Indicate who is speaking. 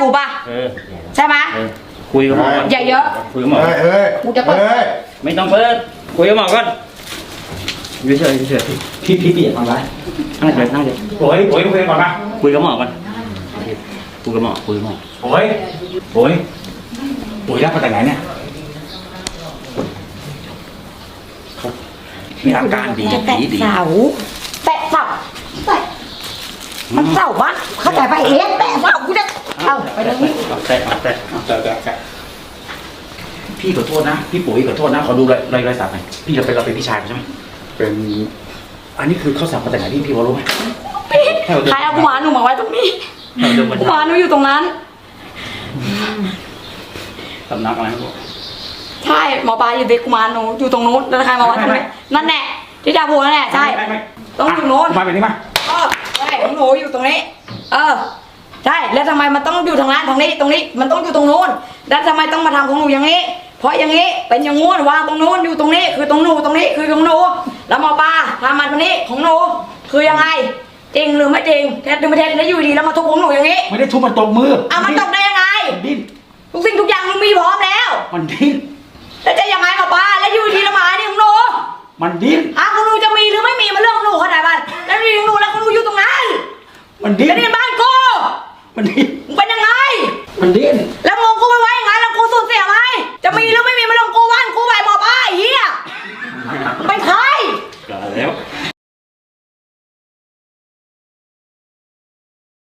Speaker 1: กูป่ะใช่ไหม
Speaker 2: คุยกับหมอ
Speaker 1: อย่าเยอะ
Speaker 2: คุยกับหมอ
Speaker 1: กูจะเปิด
Speaker 2: ไม่ต้องเปิดคุยกับหมอก่อนเฉยพี่เปียกทำไรนั่งเฉยโอ้ยคุยก่อนนะคุยกับหมอก่อนคุยกับหมอโอ้ยรับมาจากไหนเนี่ยมีอาการดี
Speaker 1: แตะเสามันเสาบ้านเข้าใจไปเองแตะเสากูจะเอาไปตรงนี้
Speaker 2: แตะพี่ขอโทษนะพี่ปุ๋ยขอโทษนะขอดูรอยสักหน่อยพี่เราเป็นพี่ชายใช่ไหมเป็นอันนี้คือเขาสักมาจากไหนพี่พอรู้ไหม
Speaker 1: ใครเอากุมารหนูมาไว้ตรงนี้กุมารหนูอยู่ตรงนั้น
Speaker 2: สำนักอะไรครับ
Speaker 1: ใช่หมอปลาอยู่เด็กกุมารหนูอยู่ตรงนู้นแล้วใครมาไว้ตรงนี้นั่นแหละที่ดาพูนั่นแหละใช่ต้องอยู่โน้น
Speaker 2: มาแบบนี้มา
Speaker 1: ใช่ของหนูอยู่ตรงนี้ใช่แล้วทำไมมันต้องอยู่ทางนั้นทางนี้ตรงนี้มันต้องอยู่ตรงนู้นแล้วทำไมต้องมาทำของหนูอย่างนี้เพราะอย่างนี้เป็นอย่างงู้นวางตรงนู้นอยู่ตรงนี้คือตรงหนูตรงนี้คือของหนูแล้วหมอปลาทำมันตรงนี้ของหนูคือยังไงจริงหรือไม่จริงแท้หรือไม่แท้แล้วอยู่ดีแล้วมาทุบของหนูอย่างนี้
Speaker 2: ไม่ได้ทุบมันตบมือ
Speaker 1: มันตบได้ยังไง
Speaker 2: ดิ้น
Speaker 1: ทุกสิ่งทุกอย่างมันมีพร้อมแล้ว
Speaker 2: มันดิ้น
Speaker 1: แล้วจะยังไงหมอปลาแล้วอยู่ดีละหมานี่ของหนู
Speaker 2: มันดิ้น